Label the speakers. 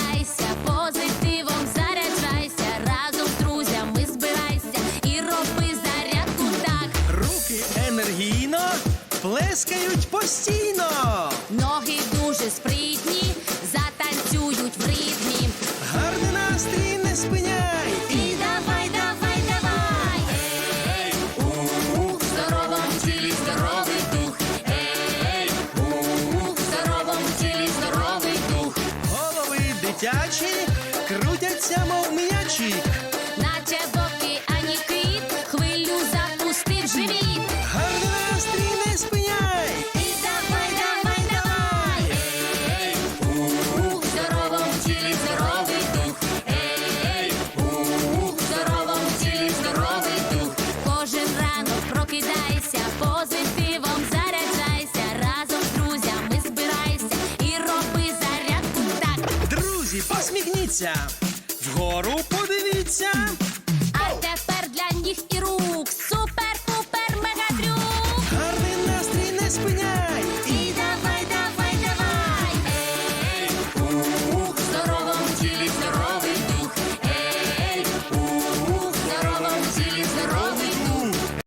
Speaker 1: прокидайся, позитивом заряджайся, разом з друзями збирайся і роби зарядку так.
Speaker 2: Руки енергійно плескають постійно.
Speaker 1: Ноги дуже спритні, затанцюють в ритмі.
Speaker 2: Гарний настрій не спиняй.
Speaker 1: І давай, давай, давай. Ей, у здоровому тілі здоровий дух. Ей, у здоровому тілі здоровий дух.
Speaker 2: Голови дитячі крутяться, мов м'ячі.
Speaker 1: Наче вовки, ані кит, хвилю запустив живіт.
Speaker 2: Гарний настрій не спиняй.
Speaker 1: І давай, давай, давай. Ей, у здоровому тілі здоровий дух. Ей, у здоровому тілі здоровий дух. Кожен ранок прокидайся, позитивом заряджайся, разом з друзями збирайся і роби зарядку так.
Speaker 2: Друзі, посміхніться. Вгору